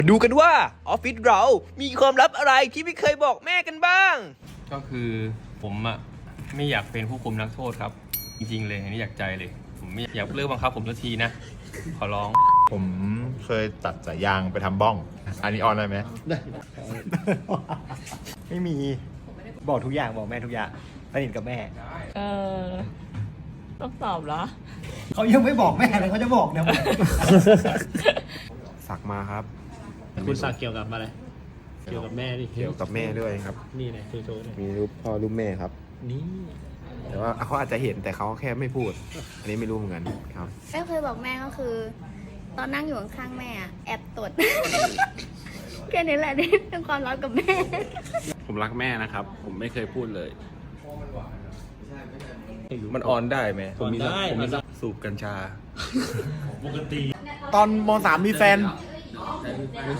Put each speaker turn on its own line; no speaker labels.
ดูกันว่าออฟฟิศเรามีความลับอะไรที่ไม่เคยบอกแม่กันบ้าง
ก็คือผมอะไม่อยากเป็นผู้คุมนักโทษครับ จริงๆเลยอันนี้อยากใจเลย ผมไม่อยากเลิกบังคับผมสักทีนะ ขอร้อง
ผมเคยตัดสายยางไปทำบ้อง อันนี้ออนได้ไหม
ไม่มีบอกทุกอย่างบอกแม่ทุกอย่างสนิทกับแม่
ต้องตอบเหรอ
เขายังไม่บอกแม่เลยเขาจะบอกเนี่ย
สักมาครับ
คุณสักเกี่ยวกับอะไร เกี่ยวกับแม่ดิ
เกี่ยวกับแม่ด้วยครับ
นี่ไงโชว์ๆเนี่ย
มีรูปพ่อรูปแม่ครับ
นี่
แต่ว่าเขาอาจจะเห็นแต่เขาแค่ไม่พูด อันนี้ไม่รู้เหมือนกันครับ
แม่เคยบอกแม่ก็คือ ตอนนั่งอยู่ข้างๆแม่อะแอบตด แค่นี้แหละที่เป็นความลับกับแม่
ผมรักแม่นะครับ ผมไม่เคยพูดเลย มันออนได้ไหม
ผมได้
สูบกัญชา
ตอนม.3 มีแฟน